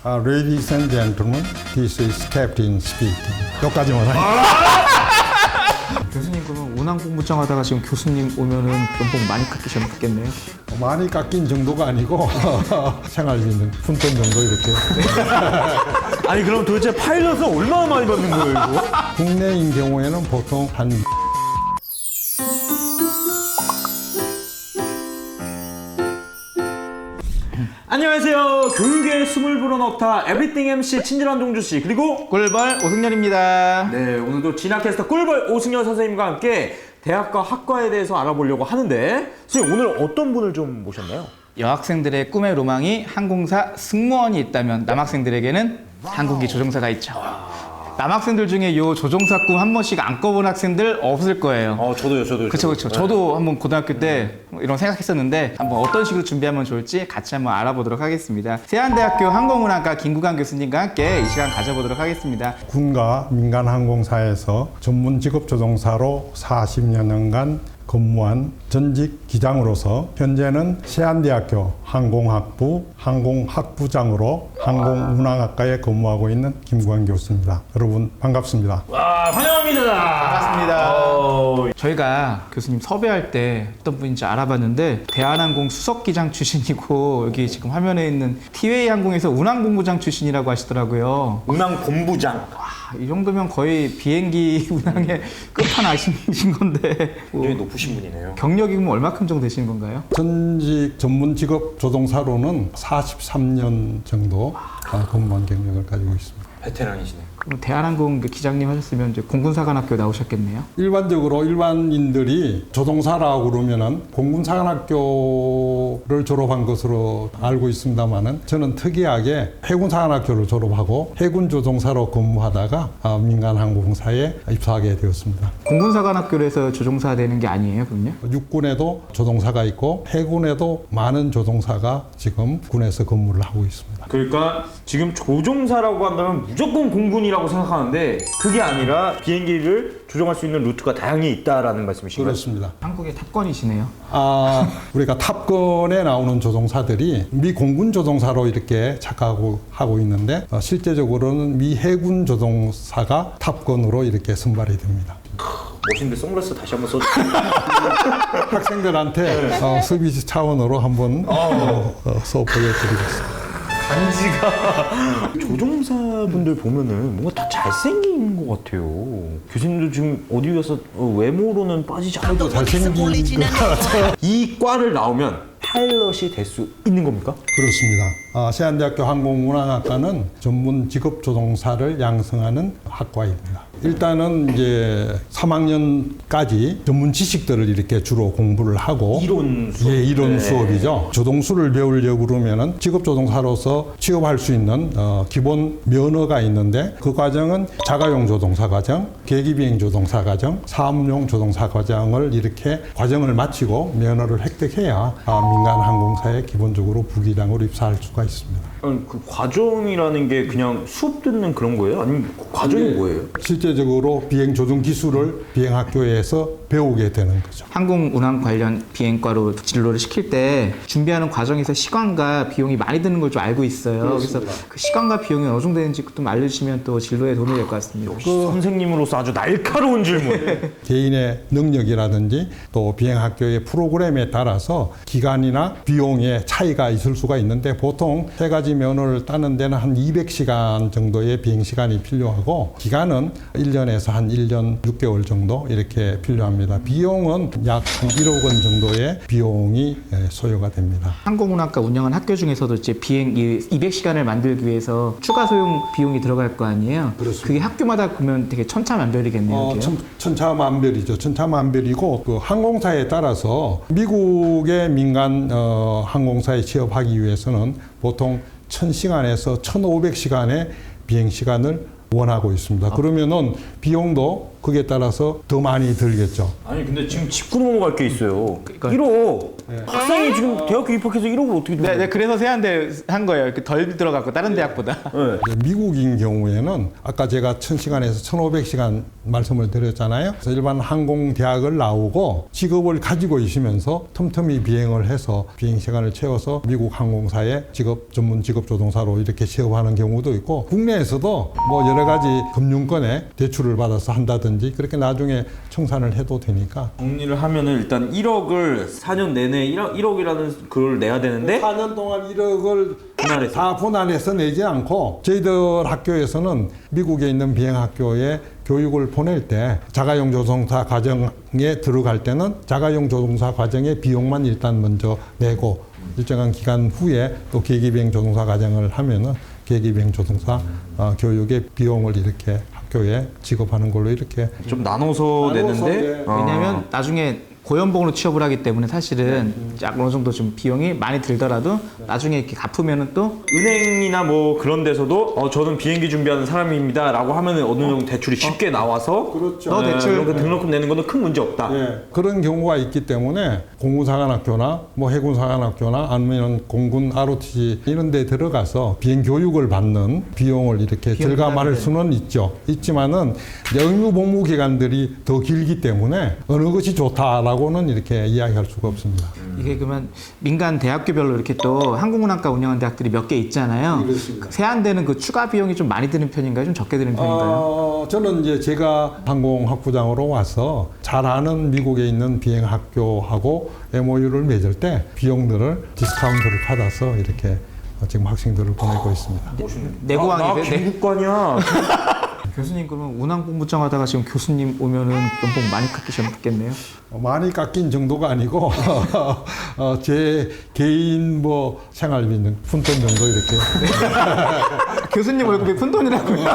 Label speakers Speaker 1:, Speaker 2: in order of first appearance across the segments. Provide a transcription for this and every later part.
Speaker 1: Ladies and gentlemen, this is Captain speaking. 여기까지만 하니까.
Speaker 2: 교수님 그러면 운항공부장 하다가 지금 교수님 오면은 연봉 많이 깎이셨겠네요.
Speaker 1: 많이 깎인 정도가 아니고 생활비는 푼돈 정도 이렇게.
Speaker 3: 아니 그럼 도대체 파일럿은 얼마나 많이 받는 거예요 이거?
Speaker 1: 국내인 경우에는 보통 한
Speaker 3: 안녕하세요. 교육의 숨을 불어넣다 에브리띵 MC 친절한 종주 씨 그리고
Speaker 2: 꿀벌 오승열입니다.
Speaker 3: 네 오늘도 진학캐스터 꿀벌 오승열 선생님과 함께 대학과 학과에 대해서 알아보려고 하는데 선생님 오늘 어떤 분을 좀 모셨나요?
Speaker 2: 여학생들의 꿈의 로망이 항공사 승무원이 있다면 남학생들에게는 항공기 조종사가 있죠. 남학생들 중에 요 조종사 꿈 한 번씩 안 꿔본 학생들 없을 거예요.
Speaker 3: 저도요.
Speaker 2: 그쵸. 저도 한번 고등학교 때 이런 생각했었는데 한번 어떤 식으로 준비하면 좋을지 같이 한번 알아보도록 하겠습니다. 세안대학교 항공운항과 김구강 교수님과 함께 이 시간 가져보도록 하겠습니다.
Speaker 1: 군과 민간 항공사에서 전문 직업 조종사로 40여 년간 근무한 전직 기장으로서 현재는 세안대학교 항공학부 항공학부장으로 항공운항학과에 근무하고 있는 김구환 교수입니다. 여러분 반갑습니다.
Speaker 3: 와 환영합니다.
Speaker 2: 반갑습니다. 저희가 교수님 섭외할 때 어떤 분인지 알아봤는데 대한항공 수석기장 출신이고 여기 지금 화면에 있는 티웨이 항공에서 운항본부장 출신이라고 하시더라고요.
Speaker 3: 운항본부장.
Speaker 2: 이 정도면 거의 비행기 운항의 끝판왕이신 건데
Speaker 3: 굉장히 높으신 분이네요.
Speaker 2: 경력이 그럼 얼마큼 정도 되시는 건가요?
Speaker 1: 전직 전문 직업 조종사로는 43년 정도 근무한 경력을 가지고 있습니다.
Speaker 3: 베테랑이시네요.
Speaker 2: 그럼 대한항공 기장님 하셨으면 이제 공군사관학교 나오셨겠네요?
Speaker 1: 일반적으로 일반인들이 조종사라고 그러면은 공군사관학교를 졸업한 것으로 알고 있습니다만은 저는 특이하게 해군사관학교를 졸업하고 해군 조종사로 근무하다가 민간항공사에 입사하게 되었습니다.
Speaker 2: 공군사관학교로 해서 조종사 되는 게 아니에요, 그럼요?
Speaker 1: 육군에도 조종사가 있고 해군에도 많은 조종사가 지금 군에서 근무를 하고 있습니다.
Speaker 3: 그러니까 지금 조종사라고 한다면 무조건 공군이라고 생각하는데 그게 아니라 비행기를 조종할 수 있는 루트가 다양히 있다라는 말씀이신가요?
Speaker 1: 그렇습니다.
Speaker 2: 한국의 탑건이시네요.
Speaker 1: 우리가 탑건에 나오는 조종사들이 미 공군 조종사로 이렇게 착각하고 하고 있는데 실제적으로는 미 해군 조종사가 탑건으로 이렇게 선발이 됩니다.
Speaker 3: 멋있는데 선글라스 다시 한번 써주세요.
Speaker 1: 학생들한테 서비스 차원으로 한번 수업 보여드리겠습니다.
Speaker 3: 간지가 조종사분들 보면은 뭔가 다 잘생긴 것 같아요. 교수님도 지금 어디 가서 외모로는 빠지지 않아도
Speaker 1: 잘생긴 것 같아요.
Speaker 3: 이 과를 나오면 파일럿이 될 수 있는 겁니까?
Speaker 1: 그렇습니다. 세안대학교 항공운항학과는 전문 직업 조종사를 양성하는 학과입니다. 일단은 이제 3학년까지 전문 지식들을 이렇게 주로 공부를 하고
Speaker 3: 이론 수업.
Speaker 1: 이론 수업이죠. 조종수를 배우려고 그러면은 직업 조종사로서 취업할 수 있는 기본 면허가 있는데 그 과정은 자가용 조종사 과정, 계기비행 조종사 과정, 사업용 조종사 과정을 이렇게 과정을 마치고 면허를 획득해야 민간 항공사에 기본적으로 부기장으로 입사할 수가 있습니다.
Speaker 3: 아니, 그 과정이라는 게 그냥 수업 듣는 그런 거예요? 아니면 그 과정이 뭐예요?
Speaker 1: 실제적으로 비행 조종 기술을 비행학교에서 배우게 되는 거죠.
Speaker 2: 항공운항 관련 비행과로 진로를 시킬 때 준비하는 과정에서 시간과 비용이 많이 드는 걸 좀 알고 있어요. 그래서 그 시간과 비용이 어느 정도 되는지 좀 알려주시면 또 진로에 도움이 될 것 같습니다.
Speaker 3: 선생님으로서 아주 날카로운 질문.
Speaker 1: 개인의 능력이라든지 또 비행학교의 프로그램에 따라서 기간이나 비용의 차이가 있을 수가 있는데 보통 세 가지 면허를 따는 데는 한 200시간 정도의 비행시간이 필요하고 기간은 1년에서 한 1년 6개월 정도 이렇게 필요합니다. 비용은 약 한 1억 원 정도의 비용이 소요가 됩니다.
Speaker 2: 항공운항과 운영한 학교 중에서도 이제 비행 200시간을 만들기 위해서 추가 소용 비용이 들어갈 거 아니에요?
Speaker 1: 그렇습니다.
Speaker 2: 그게 학교마다 보면 되게 천차만별이겠네요. 그게요?
Speaker 1: 천차만별이죠. 천차만별이고 그 항공사에 따라서 미국의 민간 항공사에 취업하기 위해서는 보통 1000시간에서 1500시간의 비행 시간을 원하고 있습니다. 그러면은 비용도 그에 따라서 더 많이 들겠죠.
Speaker 3: 아니 근데 지금 짚고 넘어갈 게 있어요.
Speaker 2: 그러니까-
Speaker 3: 1호 학생이 지금 대학교 입학해서 1억을 어떻게 줍니까?
Speaker 2: 네, 그래서 세한대 한 거예요. 이렇게 덜 들어갔고 다른 대학보다.
Speaker 3: 네.
Speaker 1: 이제 미국인 경우에는 아까 제가 1000시간에서 1500시간 말씀을 드렸잖아요. 그래서 일반 항공대학을 나오고 직업을 가지고 있으면서 틈틈이 비행을 해서 비행 시간을 채워서 미국 항공사의 전문 직업 조종사로 이렇게 취업하는 경우도 있고 국내에서도 뭐 여러 가지 금융권에 대출을 받아서 한다든지 그렇게 나중에 청산을 해도 되니까
Speaker 3: 정리를 하면은 일단 1억을 4년 내내 1억이라는 그걸 내야 되는데
Speaker 1: 4년 동안 1억을
Speaker 3: 분할해서.
Speaker 1: 다 분할해서 내지 않고 저희들 학교에서는 미국에 있는 비행학교에 교육을 보낼 때 자가용 조종사 과정에 들어갈 때는 자가용 조종사 과정의 비용만 일단 먼저 내고 일정한 기간 후에 또 계기비행 조종사 과정을 하면은 계기비행 조종사 교육의 비용을 이렇게 학교에 지급하는 걸로 이렇게
Speaker 3: 좀 나눠서 내는데
Speaker 1: 네.
Speaker 2: 왜냐하면 나중에 고연봉으로 취업을 하기 때문에 사실은 약 어느 정도 좀 비용이 많이 들더라도 나중에 이렇게 갚으면은 또
Speaker 3: 은행이나 뭐 그런 데서도 저는 비행기 준비하는 사람입니다 라고 하면은 어느 정도 대출이 쉽게 나와서
Speaker 1: 그렇죠.
Speaker 2: 너 대출
Speaker 3: 그런 거 등록금 내는 거는 큰 문제 없다.
Speaker 1: 그런 경우가 있기 때문에 공군사관학교나 뭐 해군사관학교나 아니면 공군 ROTC 이런 데 들어가서 비행 교육을 받는 비용을 이렇게 절감할 수는 있지만은 이제 의무 복무 기간들이 더 길기 때문에 어느 것이 좋다라고는 이렇게 이야기할 수가 없습니다.
Speaker 2: 이게 그러면 민간 대학교별로 이렇게 또 항공운항과 운영하는 대학들이 몇 개 있잖아요.
Speaker 1: 그렇습니다.
Speaker 2: 세한대는 그 추가 비용이 좀 많이 드는 편인가요? 좀 적게 드는 편인가요?
Speaker 1: 저는 이제 제가 항공학부장으로 와서 잘 아는 미국에 있는 비행학교하고 MOU를 맺을 때 비용들을 디스카운트를 받아서 이렇게 지금 학생들을 보내고 있습니다.
Speaker 2: 내고항이 돼?
Speaker 3: 중국관이야.
Speaker 2: 교수님 그러면 운항본부장 하다가 지금 교수님 오면은 연봉 많이 깎이셨겠네요.
Speaker 1: 많이 깎인 정도가 아니고 제 개인 뭐 생활비는 푼돈 정도 이렇게.
Speaker 2: 교수님 월급이 푼돈이라고요?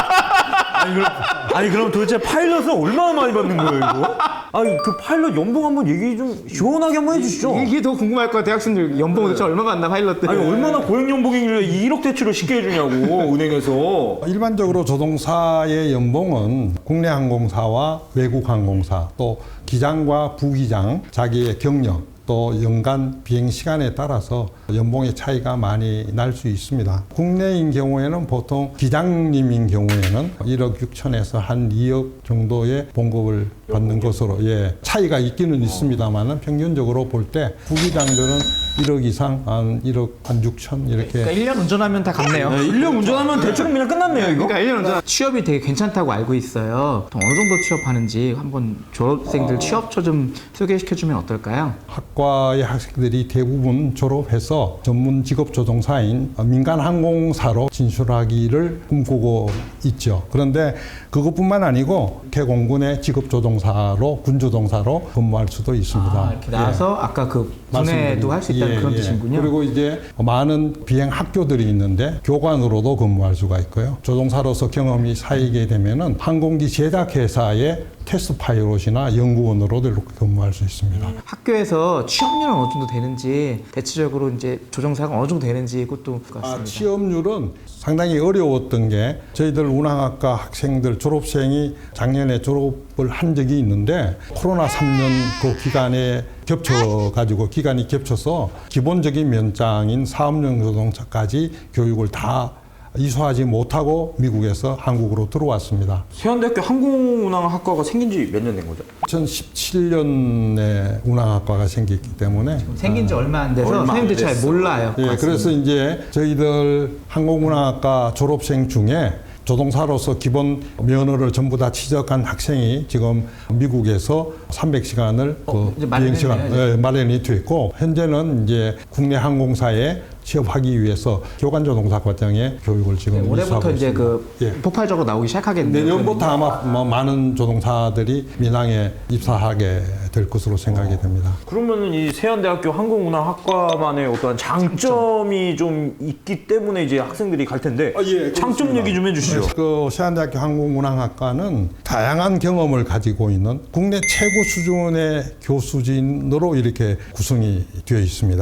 Speaker 3: 아니 그럼 도대체 파일럿은 얼마나 많이 받는 거예요 이거? 아니 그 파일럿 연봉 한번 얘기 좀 시원하게 한번 해주시죠.
Speaker 2: 이게 더 궁금할 거야. 대학생들 연봉 도대체 얼마 받나 파일럿들.
Speaker 3: 아니 얼마나 고액 연봉이길래 2억 대출을 쉽게 해주냐고 은행에서.
Speaker 1: 일반적으로 조종사의 연봉은 국내 항공사와 외국 항공사 또 기장과 부기장 자기의 경력 또 연간 비행 시간에 따라서 연봉의 차이가 많이 날 수 있습니다. 국내인 경우에는 보통 기장님인 경우에는 1억 6천에서 한 2억 정도의 봉급을 받는 것으로 차이가 있기는 있습니다만은 평균적으로 볼 때 부기장들은 1억 이상 한 1억 한 6천 이렇게.
Speaker 2: 그러니까 1년 운전하면 다 갚네요.
Speaker 3: 1년 운전하면 대출은 그냥 끝났네요 이거.
Speaker 2: 그러니까 1년 운전 취업이 되게 괜찮다고 알고 있어요. 보통 어느 정도 취업하는지 한번 졸업생들 취업처 좀 소개시켜주면 어떨까요?
Speaker 1: 학과의 학생들이 대부분 졸업해서 전문 직업 조종사인 민간 항공사로 진출하기를 꿈꾸고 있죠. 그런데 그것뿐만 아니고 개공군의 직업 조종사로 군조종사로 근무할 수도 있습니다.
Speaker 2: 이렇게 나와서 아까 그 분해도 할 수 있다는 그런 뜻이군요.
Speaker 1: 그리고 이제 많은 비행 학교들이 있는데 교관으로도 근무할 수가 있고요. 조종사로서 경험이 쌓이게 되면은 항공기 제작 회사의 테스트 파일럿이나 연구원으로도 이렇게 근무할 수 있습니다.
Speaker 2: 학교에서 취업률은 어느 정도 되는지 대체적으로 이제 조종사가 어느 정도 되는지 그것도 같습니다.
Speaker 1: 취업률은 상당히 어려웠던 게 저희들 운항학과 학생들 졸업생이 작년에 졸업을 한 적이 있는데 코로나 3년 그 기간에 기간이 겹쳐서 기본적인 면장인 사업용 조종사까지 교육을 다 이수하지 못하고 미국에서 한국으로 들어왔습니다.
Speaker 3: 세안대학교 항공운항학과가 생긴 지 몇 년 된 거죠?
Speaker 1: 2017년에 운항학과가 생겼기 때문에
Speaker 2: 생긴 지 얼마 안 돼서
Speaker 3: 얼마 안
Speaker 2: 선생님들 잘
Speaker 3: 됐어.
Speaker 2: 몰라요.
Speaker 1: 그래서 이제 저희들 항공운항학과 졸업생 중에 조종사로서 기본 면허를 전부 다 취득한 학생이 지금 미국에서 300시간을
Speaker 2: 이제
Speaker 1: 비행 시간
Speaker 2: 마련했네요,
Speaker 1: 마련이 됐고 현재는 이제 국내 항공사에 취업하기 위해서 교관조종사 과정에 교육을 지금
Speaker 2: 올해부터
Speaker 1: 이수하고
Speaker 2: 이제
Speaker 1: 있습니다.
Speaker 2: 그 폭발적으로 나오기 시작하겠네요.
Speaker 1: 내년부터 아마 뭐 많은 조종사들이 민항에 입사하게 될 것으로 생각이 됩니다.
Speaker 3: 그러면은 이 세안대학교 항공운항학과만의 어떠한 장점이 좀 있기 때문에 이제 학생들이 갈 텐데 장점
Speaker 1: 그렇습니다.
Speaker 3: 얘기 좀 해주시죠.
Speaker 1: 그 세안대학교 항공운항학과는 다양한 경험을 가지고 있는 국내 최고 수준의 교수진으로 이렇게 구성이 되어 있습니다.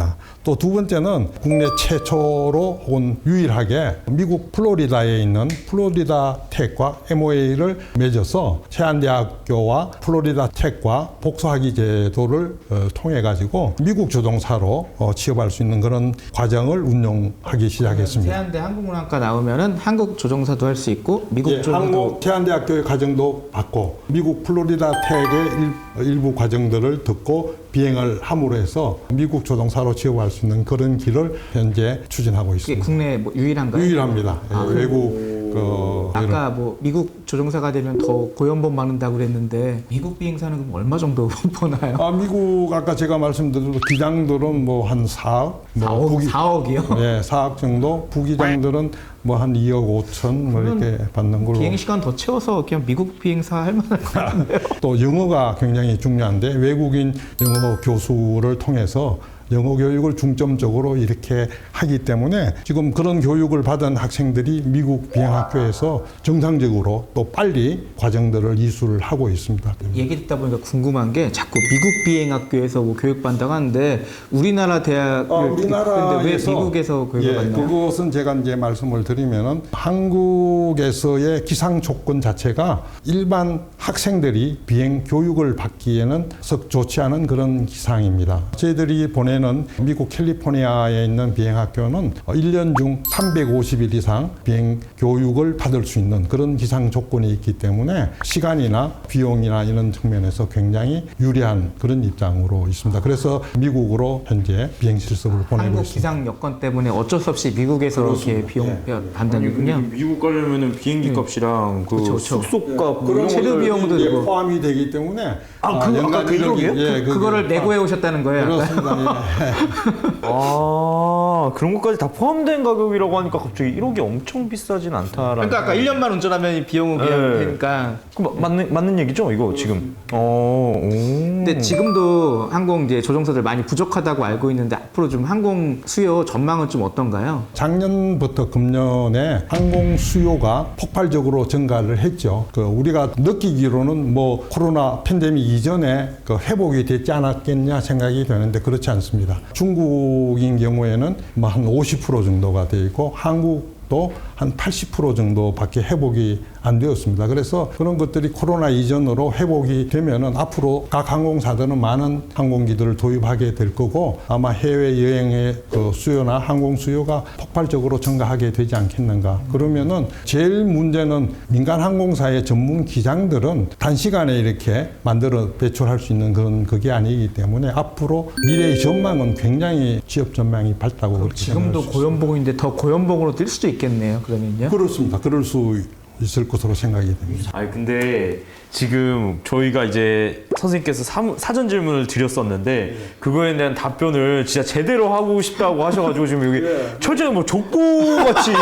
Speaker 1: 또 두 번째는 국내 최초로 혹은 유일하게 미국 플로리다에 있는 플로리다 텍과 MOA를 맺어서 세안대학교와 플로리다 텍과 복수학위 제도를 통해 가지고 미국 조종사로 취업할 수 있는 그런 과정을 운영하기 시작했습니다.
Speaker 2: 세안대 항공운항과 나오면은 한국 조종사도 할 수 있고 미국 조종사도
Speaker 1: 한국 세안대학교의 과정도 받고 미국 플로리다 텍의 일부 과정들을 듣고 비행을 함으로 해서 미국 조종사로 취업할 수 있는 그런 길을 현재 추진하고
Speaker 2: 그게
Speaker 1: 있습니다.
Speaker 2: 국내 뭐 유일한가요?
Speaker 1: 유일합니다. 외국
Speaker 2: 아까 뭐 미국 조종사가 되면 더 고연봉 받는다고 그랬는데 미국 비행사는 그럼 얼마 정도 버나요?
Speaker 1: 미국 아까 제가 말씀드린 기장들은 뭐 한 4억,
Speaker 2: 4억이요?
Speaker 1: 네, 4억 정도. 부기장들은 뭐 한 2억 5천 뭐 이렇게 받는 걸로.
Speaker 2: 비행 시간 더 채워서 그냥 미국 비행사 할 만할 것 같은데.
Speaker 1: 또 영어가 굉장히 중요한데 외국인 영어 교수를 통해서 영어 교육을 중점적으로 이렇게 하기 때문에 지금 그런 교육을 받은 학생들이 미국 비행학교에서 정상적으로 또 빨리 과정들을 이수를 하고 있습니다.
Speaker 2: 얘기 듣다 보니까 궁금한 게 자꾸 미국 비행학교에서 뭐 교육받는다고 하는데 우리나라 대학을 근데 왜 미국에서 교육을 받나요?
Speaker 1: 그것은 제가 이제 말씀을 드리면은 한국에서의 기상 조건 자체가 일반 학생들이 비행 교육을 받기에는 썩 좋지 않은 그런 기상입니다. 저희들이 보내는 미국 캘리포니아에 있는 비행학교는 1년 중 350일 이상 비행 교육을 받을 수 있는 그런 기상 조건이 있기 때문에 시간이나 비용이나 이런 측면에서 굉장히 유리한 그런 입장으로 있습니다. 그래서 미국으로 현재 비행 실습을 보내고
Speaker 2: 한국
Speaker 1: 있습니다.
Speaker 2: 기상 여건 때문에 어쩔 수 없이 미국에서 이렇게 비용 받는군요.
Speaker 3: 미국 가려면은 비행기 값이랑 그
Speaker 2: 그쵸.
Speaker 3: 숙소값
Speaker 1: 그런
Speaker 2: 체류 비용도
Speaker 1: 이제
Speaker 2: 들고.
Speaker 1: 포함이 되기 때문에
Speaker 3: 아까
Speaker 1: 연간
Speaker 3: 그 1억이에요?
Speaker 1: 예,
Speaker 2: 그거를 내고해 오셨다는 거예요?
Speaker 1: 그렇습니다.
Speaker 3: 그런 것까지 다 포함된 가격이라고 하니까 갑자기 1억이 엄청 비싸진 않다라는.
Speaker 2: 그러니까 아까 1년만 운전하면 비용은 그냥 되니까.
Speaker 3: 맞는 얘기죠, 이거 지금.
Speaker 2: 근데 지금도 항공 이제 조종사들 많이 부족하다고 알고 있는데 앞으로 좀 항공 수요 전망은 좀 어떤가요?
Speaker 1: 작년부터 금년에 항공 수요가 폭발적으로 증가를 했죠. 우리가 느끼기로는 뭐 코로나 팬데믹 이전에 회복이 됐지 않았겠냐 생각이 되는데 그렇지 않습니다. 중국인 경우에는 뭐 한 50% 정도가 돼 있고 한국도 한 80% 정도밖에 회복이 안 되었습니다. 그래서 그런 것들이 코로나 이전으로 회복이 되면은 앞으로 각 항공사들은 많은 항공기들을 도입하게 될 거고 아마 해외 여행의 수요나 항공 수요가 폭발적으로 증가하게 되지 않겠는가. 그러면은 제일 문제는 민간 항공사의 전문 기장들은 단시간에 이렇게 만들어 배출할 수 있는 그런 그게 아니기 때문에 앞으로 미래의 전망은 굉장히 취업 전망이 밝다고 그렇게
Speaker 2: 지금도
Speaker 1: 생각할 수
Speaker 2: 고연봉인데 더 고연봉으로 뛸 수도 있겠네요. 그러면요?
Speaker 1: 그렇습니다. 그럴 수 있을 것으로 생각이 됩니다.
Speaker 3: 아니 근데 지금 저희가 이제 선생님께서 사전 질문을 드렸었는데 그거에 대한 답변을 진짜 제대로 하고 싶다고 하셔가지고 지금 여기 철저히 뭐 족구같이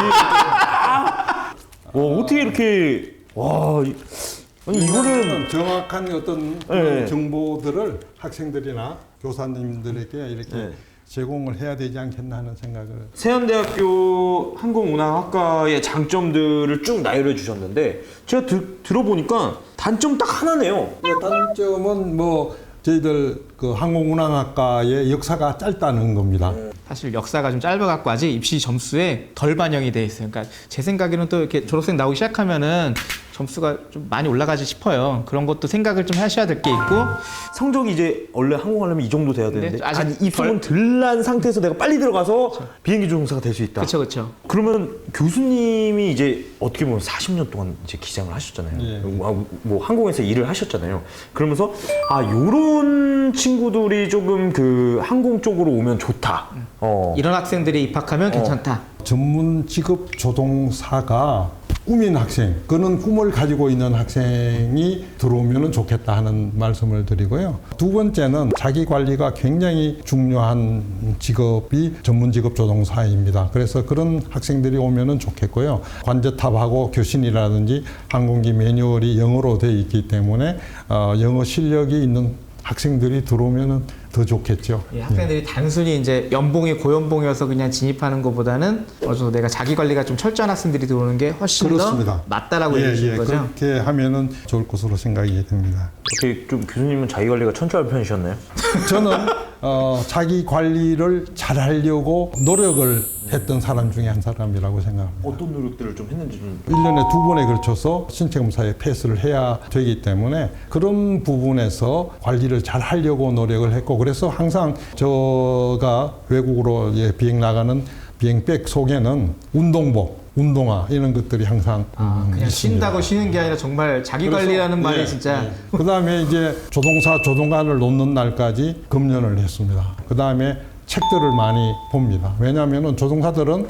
Speaker 3: 어떻게 이렇게 아니 이거는
Speaker 1: 정확한 어떤 그런 정보들을 학생들이나 교사님들에게 이렇게 제공을 해야 되지 않겠나 하는 생각을.
Speaker 3: 세안대학교 항공운항학과의 장점들을 쭉 나열해 주셨는데 제가 들어보니까 단점 딱 하나네요.
Speaker 1: 단점은 뭐 저희들 항공운항학과의 역사가 짧다는 겁니다.
Speaker 2: 사실 역사가 좀 짧아갖고 아직 입시 점수에 덜 반영이 돼 있어요. 그러니까 제 생각에는 또 이렇게 졸업생 나오기 시작하면은 점수가 좀 많이 올라가지 싶어요. 그런 것도 생각을 좀 하셔야 될 게 있고
Speaker 3: 성적이 이제 원래 항공하려면 이 정도 돼야 되는데
Speaker 2: 네, 아직
Speaker 3: 입소문 덜 난 상태에서 내가 빨리 들어가서 비행기 조종사가 될 수 있다.
Speaker 2: 그렇죠.
Speaker 3: 그러면 교수님이 이제 어떻게 보면 40년 동안 이제 기장을 하셨잖아요.
Speaker 1: 예.
Speaker 3: 뭐 항공에서 일을 하셨잖아요. 그러면서 요런 친구들이 조금 그 항공 쪽으로 오면 좋다.
Speaker 2: 이런 학생들이 입학하면 괜찮다.
Speaker 1: 전문 직업 조종사가 꿈인 학생, 그는 꿈을 가지고 있는 학생이 들어오면 좋겠다 하는 말씀을 드리고요. 두 번째는 자기 관리가 굉장히 중요한 직업이 전문 직업 조종사입니다. 그래서 그런 학생들이 오면 좋겠고요. 관제탑하고 교신이라든지 항공기 매뉴얼이 영어로 되어 있기 때문에 영어 실력이 있는 학생들이 들어오면 더 좋겠죠.
Speaker 2: 예, 학생들이 단순히 이제 연봉이 고연봉이어서 그냥 진입하는 것보다는 어느 정도 내가 자기 관리가 좀 철저한 학생들이 들어오는 게 훨씬
Speaker 1: 그렇습니다.
Speaker 2: 더 맞다라고 얘기하시는 거죠?
Speaker 1: 그렇게 하면은 좋을 것으로 생각이 됩니다.
Speaker 3: 어떻게 좀 교수님은 자기 관리가 천천한 편이셨나요?
Speaker 1: 저는 자기 관리를 잘하려고 노력을 했던 사람 중에 한 사람이라고 생각합니다.
Speaker 3: 어떤 노력들을 좀 했는지 좀
Speaker 1: 1년에 2번에 걸쳐서 신체 검사에 패스를 해야 되기 때문에 그런 부분에서 관리를 잘 하려고 노력을 했고, 그래서 항상 제가 외국으로 비행 나가는 비행백 속에는 운동복, 운동화 이런 것들이 항상
Speaker 2: 그냥
Speaker 1: 있습니다.
Speaker 2: 쉰다고 쉬는 게 아니라 정말 자기 관리라는 말이 진짜
Speaker 1: 그다음에 이제 조종사 조종관을 놓는 날까지 금연을 했습니다. 그다음에 책들을 많이 봅니다. 왜냐하면 조종사들은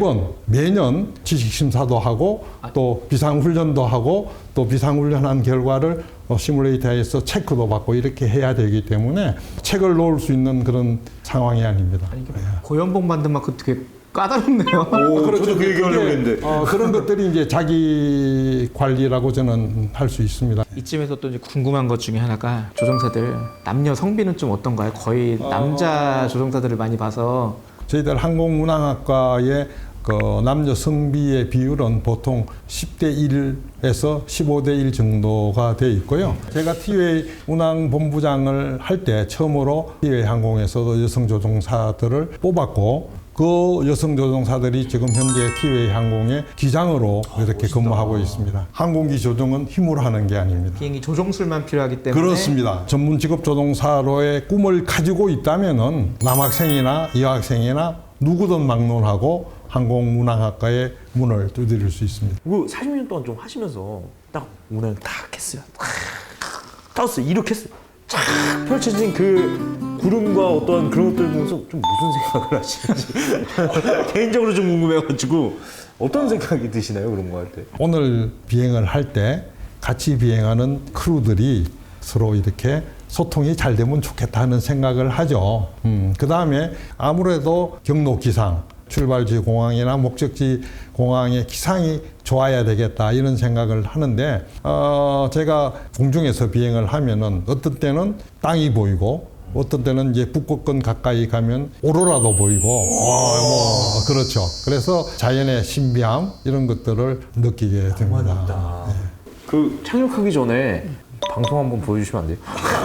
Speaker 1: 매년 지식심사도 하고 또 비상훈련도 하고 또 비상훈련한 결과를 시뮬레이터에서 체크도 받고 이렇게 해야 되기 때문에 책을 놓을 수 있는 그런 상황이 아닙니다.
Speaker 2: 고연봉 받는 만큼 되게 까다롭네요.
Speaker 3: 저도 그 얘기하려고 했는데
Speaker 1: 그런 것들이 이제 자기 관리라고 저는 할 수 있습니다.
Speaker 2: 이쯤에서 또 이제 궁금한 것 중에 하나가 조종사들 남녀 성비는 좀 어떤가요? 거의 남자 조종사들을 많이 봐서
Speaker 1: 저희들 항공운항학과의 그 남녀 성비의 비율은 보통 10대 1에서 15대 1 정도가 돼 있고요. 제가 티웨이 운항본부장을 할 때 처음으로 티웨이 항공에서도 여성 조종사들을 뽑았고, 그 여성 조종사들이 지금 현재 티웨이 항공의 기장으로 이렇게 근무하고 있습니다. 항공기 조종은 힘으로 하는 게 아닙니다.
Speaker 2: 비행기 조종술만 필요하기 때문에
Speaker 1: 그렇습니다. 전문 직업 조종사로의 꿈을 가지고 있다면은 남학생이나 여학생이나 누구든 막론하고 항공운항학과의 문을 두드릴 수 있습니다.
Speaker 3: 그 40년 동안 좀 하시면서 딱 오늘 딱 했어요. 떴어요. 이렇게 했어요. 쫙 펼쳐진 그 구름과 어떤 그런 것들 보면서 좀 무슨 생각을 하시는지 개인적으로 좀 궁금해가지고 어떤 생각이 드시나요? 그런 거 할 때?
Speaker 1: 오늘 비행을 할 때 같이 비행하는 크루들이 서로 이렇게 소통이 잘 되면 좋겠다 하는 생각을 하죠. 그 다음에 아무래도 경로 기상, 출발지 공항이나 목적지 공항의 기상이 좋아야 되겠다 이런 생각을 하는데, 제가 공중에서 비행을 하면은 어떤 때는 땅이 보이고 어떤 때는 이제 북극권 가까이 가면 오로라도 보이고 그렇죠. 그래서 자연의 신비함 이런 것들을 느끼게 됩니다.
Speaker 3: 그 착륙하기 전에 방송 한번 보여주시면 안 돼요?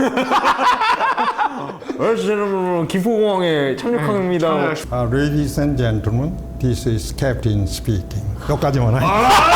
Speaker 3: 김포공항에 착륙합니다.
Speaker 1: Ladies and gentlemen, this is Captain speaking. 여기까지만 하죠.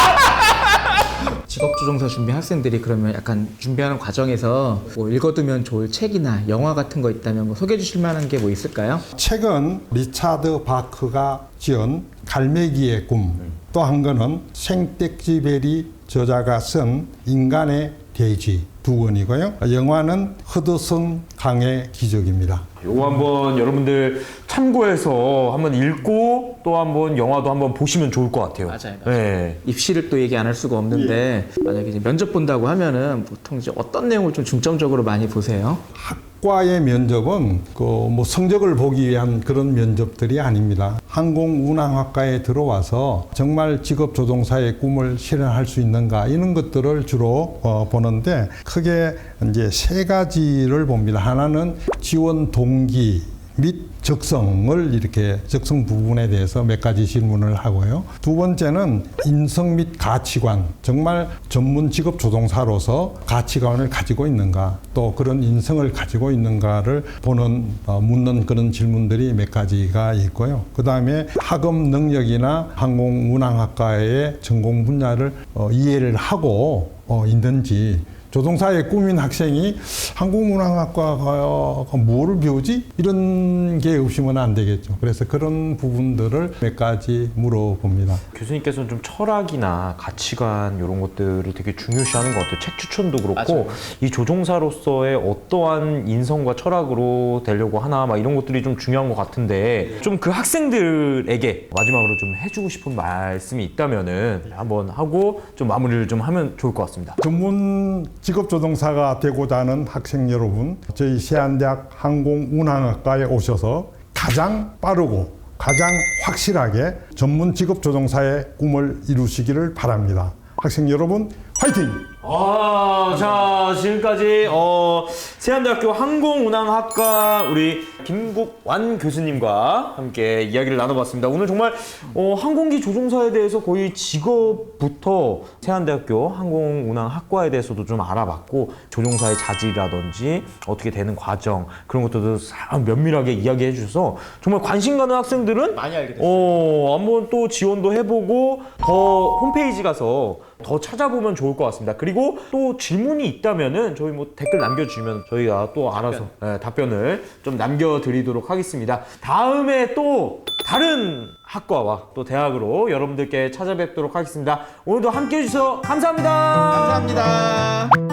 Speaker 2: 직업 조종사 준비 학생들이 그러면 약간 준비하는 과정에서 뭐 읽어두면 좋을 책이나 영화 같은 거 있다면 뭐 소개해 주실 만한 게 뭐 있을까요?
Speaker 1: 책은 리차드 바크가 지은 갈매기의 꿈, 또 한 거는 생텍쥐베리 저자가 쓴 인간의 대지 두 권이고요. 영화는 허드슨 강의 기적입니다.
Speaker 3: 요거 한번 여러분들 참고해서 한번 읽고 또 한번 영화도 한번 보시면 좋을 것 같아요.
Speaker 2: 맞아요.
Speaker 3: 네.
Speaker 2: 입시를 또 얘기 안 할 수가 없는데 만약에 이제 면접 본다고 하면은 보통 이제 어떤 내용을 좀 중점적으로 많이 보세요?
Speaker 1: 학과의 면접은 그 뭐 성적을 보기 위한 그런 면접들이 아닙니다. 항공운항학과에 들어와서 정말 직업 조종사의 꿈을 실현할 수 있는가 이런 것들을 주로 보는데, 크게 이제 세 가지를 봅니다. 하나는 지원 동기 및 적성을 이렇게 적성 부분에 대해서 몇 가지 질문을 하고요. 두 번째는 인성 및 가치관, 정말 전문 직업 조종사로서 가치관을 가지고 있는가, 또 그런 인성을 가지고 있는가를 묻는 그런 질문들이 몇 가지가 있고요. 그 다음에 학업 능력이나 항공운항학과의 전공 분야를 이해를 하고 있는지, 조종사의 꿈인 학생이 항공운항학과가 뭐를 배우지? 이런 게 없으면 안 되겠죠. 그래서 그런 부분들을 몇 가지 물어봅니다.
Speaker 3: 교수님께서는 좀 철학이나 가치관 이런 것들을 되게 중요시하는 것 같아요. 책 추천도 그렇고
Speaker 2: 맞아요.
Speaker 3: 이 조종사로서의 어떠한 인성과 철학으로 되려고 하나 막 이런 것들이 좀 중요한 것 같은데, 좀 그 학생들에게 마지막으로 좀 해주고 싶은 말씀이 있다면은 한번 하고 좀 마무리를 좀 하면 좋을 것 같습니다.
Speaker 1: 전문 직업 조종사가 되고자 하는 학생 여러분, 저희 세안대학 항공운항학과에 오셔서 가장 빠르고 가장 확실하게 전문 직업 조종사의 꿈을 이루시기를 바랍니다. 학생 여러분, 화이팅! 파이팅!
Speaker 3: 자, 지금까지 세안대학교 항공운항학과 우리 김국완 교수님과 함께 이야기를 나눠봤습니다. 오늘 정말 항공기 조종사에 대해서 거의 직업부터 세안대학교 항공운항학과에 대해서도 좀 알아봤고, 조종사의 자질이라든지 어떻게 되는 과정, 그런 것들도 면밀하게 이야기해 주셔서 정말 관심 가는 학생들은
Speaker 2: 많이 알게 됐어요.
Speaker 3: 한번 또 지원도 해보고 더 홈페이지 가서 더 찾아보면 좋을 것 같습니다. 그리고 또 질문이 있다면은 저희 뭐 댓글 남겨주시면 저희가 또 알아서 답변을 좀 남겨드리도록 하겠습니다. 다음에 또 다른 학과와 또 대학으로 여러분들께 찾아뵙도록 하겠습니다. 오늘도 함께 해주셔서 감사합니다.
Speaker 2: 감사합니다.